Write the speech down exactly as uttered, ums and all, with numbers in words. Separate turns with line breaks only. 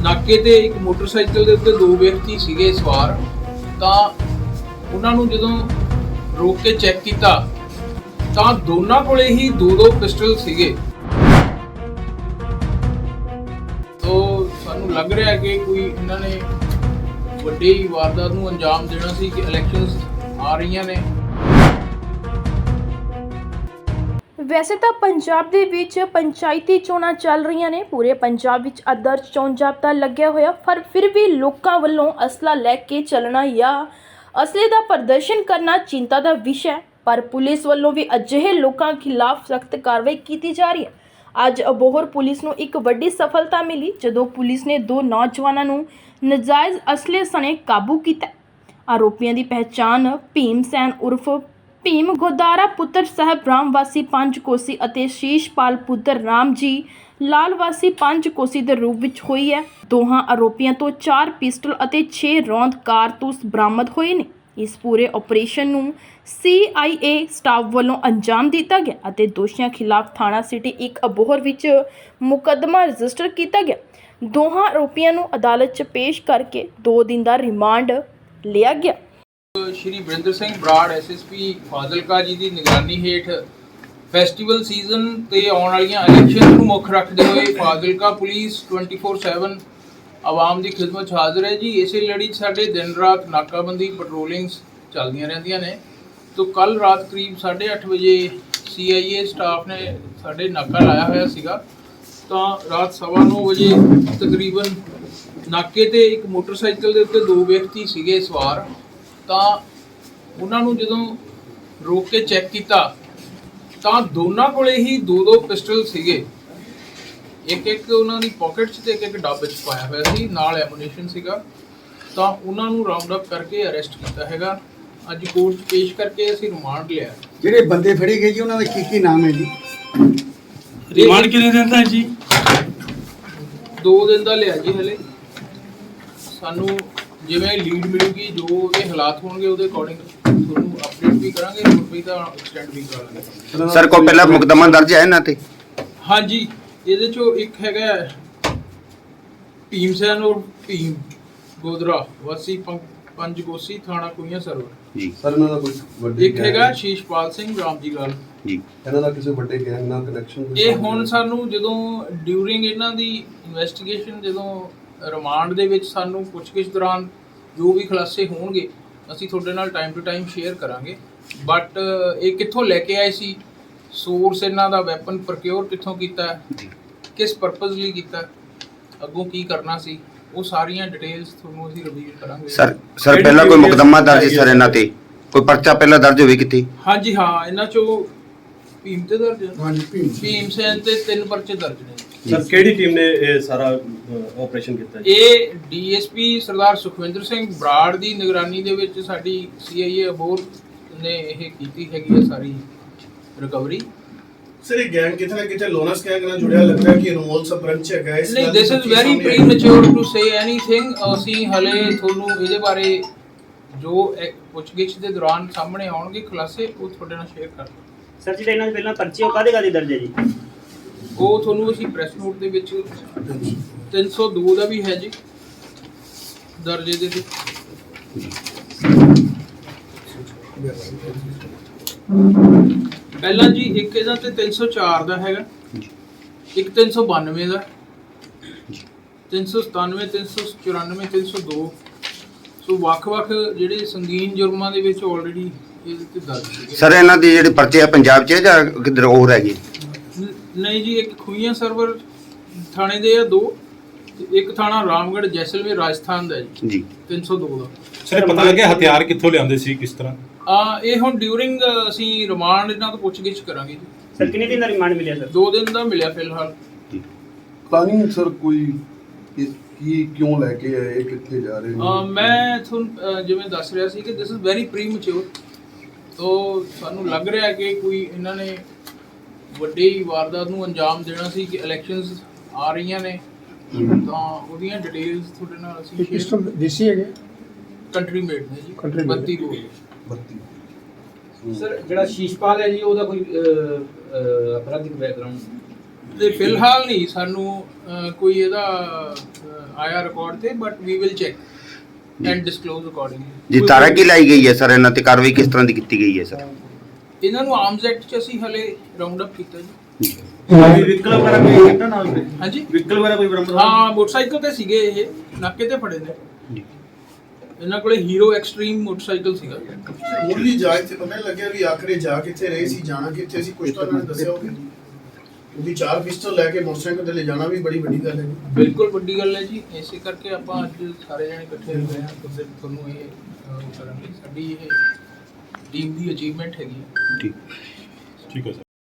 ਨਾਕੇ ਤੇ ਇੱਕ ਮੋਟਰਸਾਈਕਲ ਦੇ ਉੱਤੇ ਦੋ ਵਿਅਕਤੀ ਸੀਗੇ ਸਵਾਰ। ਤਾਂ ਉਹਨਾਂ ਨੂੰ ਜਦੋਂ ਰੋਕ ਕੇ ਚੈੱਕ ਕੀਤਾ ਤਾਂ ਦੋਨਾਂ ਕੋਲੇ ਹੀ ਦੋ ਦੋ ਪਿਸਟਲ ਸੀਗੇ। ਤੋ ਸਾਨੂੰ ਲੱਗ ਰਿਹਾ ਕਿ ਕੋਈ ਇਹਨਾਂ ਨੇ ਵੱਡੀ ਵਾਰਦਾਤ ਨੂੰ ਅੰਜਾਮ ਦੇਣਾ ਸੀ ਕਿ ਇਲੈਕਸ਼ਨਸ ਆ ਰਹੀਆਂ ਨੇ।
ਵੈਸੇ ਤਾਂ ਪੰਜਾਬ ਦੇ ਵਿੱਚ ਪੰਚਾਇਤੀ ਚੋਣਾਂ ਚੱਲ ਰਹੀਆਂ ਨੇ। ਪੂਰੇ ਪੰਜਾਬ ਵਿੱਚ ਆਦਰਸ਼ ਚੋਣ ਜਾਬਤਾ ਲੱਗਿਆ ਹੋਇਆ, ਪਰ ਫਿਰ ਵੀ ਲੋਕਾਂ ਵੱਲੋਂ ਅਸਲਾ ਲੈ ਕੇ ਚੱਲਣਾ ਜਾਂ ਅਸਲੇ ਦਾ ਪ੍ਰਦਰਸ਼ਨ ਕਰਨਾ ਚਿੰਤਾ ਦਾ ਵਿਸ਼ਾ ਹੈ। ਪਰ ਪੁਲਿਸ ਵੱਲੋਂ ਵੀ ਅਜਿਹੇ ਲੋਕਾਂ ਖਿਲਾਫ ਸਖਤ ਕਾਰਵਾਈ ਕੀਤੀ ਜਾ ਰਹੀ ਹੈ। ਅੱਜ ਅਬੋਹਰ ਪੁਲਿਸ ਨੂੰ ਇੱਕ ਵੱਡੀ ਸਫਲਤਾ ਮਿਲੀ ਜਦੋਂ ਪੁਲਿਸ ਨੇ ਦੋ ਨੌਜਵਾਨਾਂ ਨੂੰ ਨਜਾਇਜ਼ ਅਸਲੇ ਸਣੇ ਕਾਬੂ ਕੀਤਾ। ਆਰੋਪੀਆਂ ਦੀ ਪਹਿਚਾਣ ਭੀਮ ਸੈਨ ਉਰਫ ਭੀਮ ਗੋਦਾਰਾ ਪੁੱਤਰ ਸਾਹਿਬ ਰਾਮ ਵਾਸੀ ਪੰਜ ਕੋਸੀ ਅਤੇ ਸ਼ੀਸ਼ਪਾਲ ਪੁੱਤਰ ਰਾਮ ਜੀ ਲਾਲ ਵਾਸੀ ਪੰਜ ਕੋਸੀ ਦੇ ਰੂਪ ਵਿੱਚ ਹੋਈ ਹੈ। ਦੋਹਾਂ ਆਰੋਪੀਆਂ ਤੋਂ ਚਾਰ ਪਿਸਟਲ ਅਤੇ ਛੇ ਰੌਂਦ ਕਾਰਤੂਸ ਬਰਾਮਦ ਹੋਏ ਨੇ। ਇਸ ਪੂਰੇ ਆਪਰੇਸ਼ਨ ਨੂੰ ਸੀ ਆਈ ਏ ਸਟਾਫ ਵੱਲੋਂ ਅੰਜਾਮ ਦਿੱਤਾ ਗਿਆ ਅਤੇ ਦੋਸ਼ੀਆਂ ਖਿਲਾਫ ਥਾਣਾ ਸਿਟੀ ਇੱਕ ਅਬੋਹਰ ਵਿੱਚ ਮੁਕੱਦਮਾ ਰਜਿਸਟਰ ਕੀਤਾ ਗਿਆ। ਦੋਹਾਂ ਆਰੋਪੀਆਂ ਨੂੰ ਅਦਾਲਤ 'ਚ ਪੇਸ਼ ਕਰਕੇ ਦੋ ਦਿਨ ਦਾ ਰਿਮਾਂਡ ਲਿਆ ਗਿਆ।
Shri Varinder Singh Brar S S P Fazilka ji ਦੀ ਨਿਗਰਾਨੀ ਹੇਠ ਫੈਸਟੀਵਲ ਸੀਜ਼ਨ ਤੇ ਆਉਣ ਵਾਲੀਆਂ ਇਲੈਕਸ਼ਨ ਨੂੰ ਮੁੱਖ ਰੱਖਦੇ ਹੋਏ ਫਾਜ਼ਿਲਕਾ ਪੁਲਿਸ ਚੌਵੀ ਸੱਤ ਆਵਾਮ ਦੀ ਖਿਦਮਤ 'ਚ ਹਾਜ਼ਰ ਹੈ ਜੀ। ਇਸੇ ਲੜੀ 'ਚ ਸਾਡੇ ਦਿਨ ਰਾਤ ਨਾਕਾਬੰਦੀ ਪੈਟਰੋਲਿੰਗਸ ਚੱਲਦੀਆਂ ਰਹਿੰਦੀਆਂ ਨੇ। ਤੋਂ ਕੱਲ ਰਾਤ ਕਰੀਬ ਸਾਢੇ ਅੱਠ ਵਜੇ ਸੀ ਆਈ ਏ ਸਟਾਫ ਨੇ ਸਾਡੇ ਨਾਕਾ ਲਾਇਆ ਹੋਇਆ ਸੀਗਾ। ਤਾਂ ਰਾਤ ਸਵਾ ਨੌ ਵਜੇ ਤਕਰੀਬਨ ਨਾਕੇ ਤੇ ਇੱਕ ਮੋਟਰਸਾਈਕਲ ਦੇ ਉੱਤੇ ਦੋ ਵਿਅਕਤੀ ਸੀਗੇ ਸਵਾਰ। ਤਾਂ ਉਹਨਾਂ ਨੂੰ ਜਦੋਂ ਰੋਕ ਕੇ ਚੈੱਕ ਕੀਤਾ ਤਾਂ ਦੋਨਾਂ ਕੋਲੇ ਹੀ ਦੋ ਦੋ ਪਿਸਟਲ ਸੀਗੇ। ਇੱਕ ਇੱਕ ਉਹਨਾਂ ਦੀ ਪਾਕਟ 'ਚ ਤੇ ਇੱਕ ਇੱਕ ਡੱਬ 'ਚ ਪਾਇਆ ਹੋਇਆ ਸੀ, ਨਾਲ ਐਮੂਨੀਸ਼ਨ ਸੀਗਾ। ਤਾਂ ਉਹਨਾਂ ਨੂੰ ਰਾਉਂਡ ਅਪ ਕਰਕੇ ਅਰੈਸਟ ਕੀਤਾ ਹੈਗਾ। ਅੱਜ ਕੋਰਟ 'ਚ ਪੇਸ਼ ਕਰਕੇ ਅਸੀਂ ਰਿਮਾਂਡ ਲਿਆ।
ਜਿਹੜੇ ਬੰਦੇ ਫੜੇ ਗਏ ਜੀ ਉਹਨਾਂ ਦਾ ਕੀ ਕੀ ਨਾਮ ਹੈ ਜੀ?
ਰਿਮਾਂਡ ਕਿੰਨੇ ਦਿਨ ਦਾ ਹੈ ਜੀ? ਦੋ ਦਿਨ ਦਾ ਲਿਆ ਜੀ। ਹਲੇ ਸਾਨੂੰ ਜਿਵੇਂ ਲੀਡ ਮਿਲੂਗੀ, ਜੋ ਇਹ ਹਾਲਾਤ ਹੋਣਗੇ ਉਹਦੇ ਅਕੋਰਡਿੰਗ ਤੁਹਾਨੂੰ ਅਪਡੇਟ ਵੀ ਕਰਾਂਗੇ, ਹੋਰ ਵੀ ਤਾਂ ਐਕਸਟੈਂਡ ਵੀ ਕਰਾਂਗੇ।
ਸਰ ਕੋਈ ਪਹਿਲਾਂ ਮੁਕੱਦਮਾ ਦਰਜ ਹੈ ਇਹਨਾਂ ਤੇ?
ਹਾਂਜੀ, ਇਹਦੇ ਚੋਂ ਇੱਕ ਹੈਗਾ ਭੀਮ ਸੈਨ ਔਰ ਭੀਮ ਗੋਦਰਾ ਵਾਸੀ ਪੰਜ ਕੋਸੀ ਥਾਣਾ ਕੁਈਆਂ ਸਰਵਰ
ਜੀ।
ਸਰ ਇਹਨਾਂ ਦਾ ਕੋਈ ਵੱਡੀ
ਇੱਕ ਹੈਗਾ ਸ਼ੀਸ਼ਪਾਲ ਸਿੰਘ ਰਾਮ ਜੀ ਲਾਲ
ਜੀ।
ਇਹਨਾਂ ਦਾ ਕਿਸੇ ਵੱਡੇ ਗੈਂਗ ਨਾਲ ਕਨੈਕਸ਼ਨ?
ਇਹ ਹੁਣ ਸਾਨੂੰ ਜਦੋਂ ਡਿਊਰਿੰਗ ਇਹਨਾਂ ਦੀ ਇਨਵੈਸਟੀਗੇਸ਼ਨ, ਜਦੋਂ ਰਿਮਾਂਡ ਦੇ ਵਿੱਚ ਸਾਨੂੰ ਪੁੱਛਗਿੱਛ ਦੌਰਾਨ ਜੋ ਵੀ ਖੁਲਾਸੇ ਹੋਣਗੇ ਅਸੀਂ ਤੁਹਾਡੇ ਨਾਲ ਟਾਈਮ ਟੂ ਟਾਈਮ ਸ਼ੇਅਰ ਕਰਾਂਗੇ। ਬਟ ਇਹ ਕਿੱਥੋਂ ਲੈ ਕੇ ਆਏ ਸੀ, ਸੋਰਸ ਇਹਨਾਂ ਦਾ ਵੈਪਨ ਪ੍ਰੋਕਿਉਰ ਕਿੱਥੋਂ ਕੀਤਾ, ਕਿਸ ਪਰਪਸ ਲਈ ਕੀਤਾ, ਅੱਗੋਂ ਕੀ ਕਰਨਾ ਸੀ, ਉਹ ਸਾਰੀਆਂ ਡਿਟੇਲਸ ਤੁਹਾਨੂੰ ਅਸੀਂ ਰਿਵੀਲ ਕਰਾਂਗੇ।
ਸਰ ਸਰ ਪਹਿਲਾਂ ਕੋਈ ਮੁਕੱਦਮਾ ਦਰਜ ਸਰ ਇਹਨਾਂ ਤੇ? ਕੋਈ ਪਰਚਾ ਪਹਿਲਾਂ ਦਰਜ ਹੋਵੇ ਕਿਤੇ?
ਹਾਂਜੀ ਹਾਂ, ਇਹਨਾਂ ਚੋਂ ਭੀਮ ਤੇ ਦਰਜ ਹੈ।
ਹਾਂਜੀ, ਭੀਮ
ਭੀਮ ਸੈਨ ਤੇ ਤਿੰਨ ਪਰਚੇ ਦਰਜ ਨੇ।
ਸਰ ਕਿਹੜੀ ਟੀਮ ਨੇ ਇਹ ਸਾਰਾ ਆਪਰੇਸ਼ਨ ਕੀਤਾ ਜੀ?
ਇਹ D S P Sardar Sukhwinder Singh Brar ਦੀ ਨਿਗਰਾਨੀ ਦੇ ਵਿੱਚ ਸਾਡੀ ਸੀ ਆਈ ਏ ਅਬੋਹਰ ਨੇ ਇਹ ਕੀਤੀ ਹੈਗੀ ਹੈ ਸਾਰੀ ਰਿਕਵਰੀ।
ਸਰ ਇਹ ਗੈਂਗ ਕਿਤੇ ਨਾ ਕਿਤੇ ਲੋਨਸ ਗੈਂਗ ਨਾਲ ਜੁੜਿਆ ਲੱਗਦਾ ਹੈ ਕਿ ਅਨਮੋਲ ਸਬਰੰਚ ਹੈਗਾ ਇਸ
ਨਹੀਂ, this is very premature to say anything. ਅਸੀਂ ਹਲੇ ਤੁਹਾਨੂੰ ਇਹਦੇ ਬਾਰੇ ਜੋ ਪੁੱਛਗਿੱਛ ਦੇ ਦੌਰਾਨ ਸਾਹਮਣੇ ਆਉਣਗੇ ਖੁਲਾਸੇ ਉਹ ਤੁਹਾਡੇ ਨਾਲ ਸ਼ੇਅਰ ਕਰ ਦਾਂਗੇ।
ਸਰ ਜਿਹੜੇ ਇਹਨਾਂ ਦੇ ਪਹਿਲਾਂ ਪਰਚੇ ਉਹ ਕਾਹਦੇ ਕਾਹਦੇ ਦਰਜ ਹੈ ਜੀ?
ਉਹ ਤੁਹਾਨੂੰ ਅਸੀਂ ਪ੍ਰੈਸ ਨੋਟ ਦੇ ਵਿੱਚ ਤਿੰਨ ਸੌ ਦੋ ਦਾ ਵੀ ਹੈ ਜੀ ਦਰਜੇ ਦੇ ਵਿੱਚ। ਪਹਿਲਾਂ ਜੀ ਇੱਕ ਇਹਦਾ ਤੇ ਤਿੰਨ ਸੌ ਚਾਰ ਦਾ ਹੈਗਾ, ਇੱਕ ਤਿੰਨ ਸੌ ਬਾਨਵੇਂ ਦਾ, ਤਿੰਨ ਸੌ ਸਤਾਨਵੇਂ, ਤਿੰਨ ਸੌ ਚੁਰਾਨਵੇਂ, ਤਿੰਨ ਸੌ ਦੋ। ਸੋ ਵੱਖ-ਵੱਖ ਜਿਹੜੇ ਸੰਗੀਨ ਜੁਰਮਾਂ ਦੇ ਵਿੱਚ ਆਲਰੇਡੀ ਇਹਦੇ ਤੇ ਦਰਜ ਹੈ।
ਸਰ ਇਹਨਾਂ ਦੀ ਜਿਹੜੇ ਪਰਚੇ ਆ ਪੰਜਾਬ 'ਚ ਜਾਂ ਕਿੱਧਰ ਹੋਰ ਹੈਗੇ?
ਨਹੀਂ ਜੀ, ਇੱਕ ਖੂਈਆਂ ਸਰਵਰ ਥਾਣੇ ਦੇ ਆ ਦੋ, ਤੇ ਇੱਕ ਥਾਣਾ ਰਾਮਗੜ੍ਹ ਜੈਸਲਮੇਰ ਰਾਜਸਥਾਨ ਦਾ ਜੀ
ਜੀ
ਤਿੰਨ ਸੌ ਦੋ ਦਾ।
ਸਰ ਪਤਾ ਲੱਗਿਆ ਹਥਿਆਰ ਕਿੱਥੋਂ ਲਿਆਉਂਦੇ ਸੀ, ਕਿਸ ਤਰ੍ਹਾਂ?
ਆ ਇਹ ਹੁਣ ਡਿਊਰਿੰਗ ਅਸੀਂ ਰਿਮਾਂਡ ਇਹਨਾਂ ਤੋਂ ਪੁੱਛਗਿੱਛ ਕਰਾਂਗੇ ਜੀ।
ਸਰ ਕਿੰਨੇ ਦਿਨ ਦਾ ਰਿਮਾਂਡ ਮਿਲਿਆ ਸਰ?
ਦੋ ਦਿਨ ਦਾ ਮਿਲਿਆ ਫਿਲਹਾਲ।
ਪਲਾਨਿੰਗ ਸਰ ਕੋਈ ਇਸ ਕੀ ਕਿਉਂ ਲੈ ਕੇ ਆਏ, ਕਿੱਥੇ ਜਾ ਰਹੇ
ਆ ਮੈਂ ਤੁਹਾਨੂੰ ਜਿਵੇਂ ਦੱਸ ਰਿਹਾ ਸੀ ਕਿ ਦਿਸ ਇਜ਼ ਵੈਰੀ ਪ੍ਰੀਮੈਚੁਰ। ਤੋਂ ਸਾਨੂੰ ਲੱਗ ਰਿਹਾ ਕਿ ਕੋਈ ਇਹਨਾਂ ਨੇ ਵੱਡੀ ਵਾਰਦਾਤ ਨੂੰ ਅੰਜਾਮ ਦੇਣਾ ਸੀ ਕਿ ਇਲੈਕਸ਼ਨਸ ਆ ਰਹੀਆਂ ਨੇ। ਤਾਂ ਉਹਦੀਆਂ ਡਿਟੇਲਸ ਤੁਹਾਡੇ ਨਾਲ ਅਸੀਂ
ਪਿਸਟਲ ਦੇਸੀ ਹੈਗੇ?
ਕੰਟਰੀ ਮੇਡ ਨੇ ਜੀ,
Country made।
ਬੱਤੀ ਗੋਲੀ।
ਬੱਤੀ
ਸਰ ਜਿਹੜਾ ਸ਼ੀਸ਼ਪਾਲ ਹੈ ਜੀ ਉਹਦਾ ਕੋਈ ਅਪਰਾਧਿਕ ਬੈਕਗ੍ਰਾਉਂਡ?
ਤੇ ਫਿਲਹਾਲ ਨਹੀਂ ਸਾਨੂੰ ਅਹ, ਕੋਈ ਇਹਦਾ ਅਹ, ਆਇਆ ਰਿਕਾਰਡ ਤੇ but we will check and disclose accordingly.
ਜੀ ਤਾਰਾ ਕੀ ਲਾਈ ਗਈ ਹੈ ਸਰ ਇਹਨਾਂ ਤੇ ਕਾਰਵਾਈ ਕਿਸ ਤਰ੍ਹਾਂ ਦੀ ਕੀਤੀ ਗਈ ਹੈ ਸਰ?
ਇਹਨਾਂ ਨੂੰ ਆਰਮਸ ਐਕਟ ਚ ਅਸੀਂ ਹਲੇ ਰਾਉਂਡ ਅਪ ਕੀਤਾ ਜੀ।
ਵਹੀਕਲ ਵਗੈਰਾ ਕੋਈ ਕੀਤਾ ਨਾਲ
ਹਾਂਜੀ
ਵਹੀਕਲ ਵਗੈਰਾ ਕੋਈ ਬਰਾਮਦ
ਹਾਂ ਮੋਟਰਸਾਈਕਲ ਤੇ ਸੀਗੇ ਇਹ ਨਾਕੇ ਤੇ ਫੜੇ ਨੇ। ਇਹਨਾਂ ਕੋਲੇ ਹੀਰੋ ਐਕਸਟ੍ਰੀਮ ਮੋਟਰਸਾਈਕਲ ਸੀਗਾ।
ਮੁੱਢਲੀ ਜਾਂਚ ਤੇ ਪਤਾ ਨਹੀਂ ਲੱਗਿਆ ਵੀ ਆਖਰੇ ਜਾ ਕਿੱਥੇ ਰਹੇ ਸੀ, ਜਾਣਾ ਕਿੱਥੇ ਸੀ, ਕੁਝ ਤਾਂ ਉਹਨਾਂ ਨੇ ਦੱਸਿਆ ਹੋਵੇ। ਕਿਉਂਕਿ ਚਾਰ ਪਿਸਟਲ ਲੈ ਕੇ ਮੋਟਰਸਾਈਕਲ ਤੇ ਲੈ ਜਾਣਾ ਵੀ ਬੜੀ ਵੱਡੀ ਗੱਲ ਹੈ ਜੀ।
ਬਿਲਕੁਲ ਵੱਡੀ ਗੱਲ ਹੈ ਜੀ। ਇਸੇ ਕਰਕੇ ਆਪਾਂ ਅੱਜ ਸਾਰੇ ਜਣੇ ਇਕੱਠੇ ਹੋਏ ਹਾਂ ਤੇ ਫਿਰ ਤੁਹਾਨੂੰ ਇਹ ਅਹ, ਕਰਾਂਗੇ। ਸਾਡੀ ਇਹ ਟੀਮ ਦੀ ਅਚੀਵਮੈਂਟ ਹੈਗੀ ਹੈ।
ਠੀਕ
ਠੀਕ ਹੈ ਸਰ।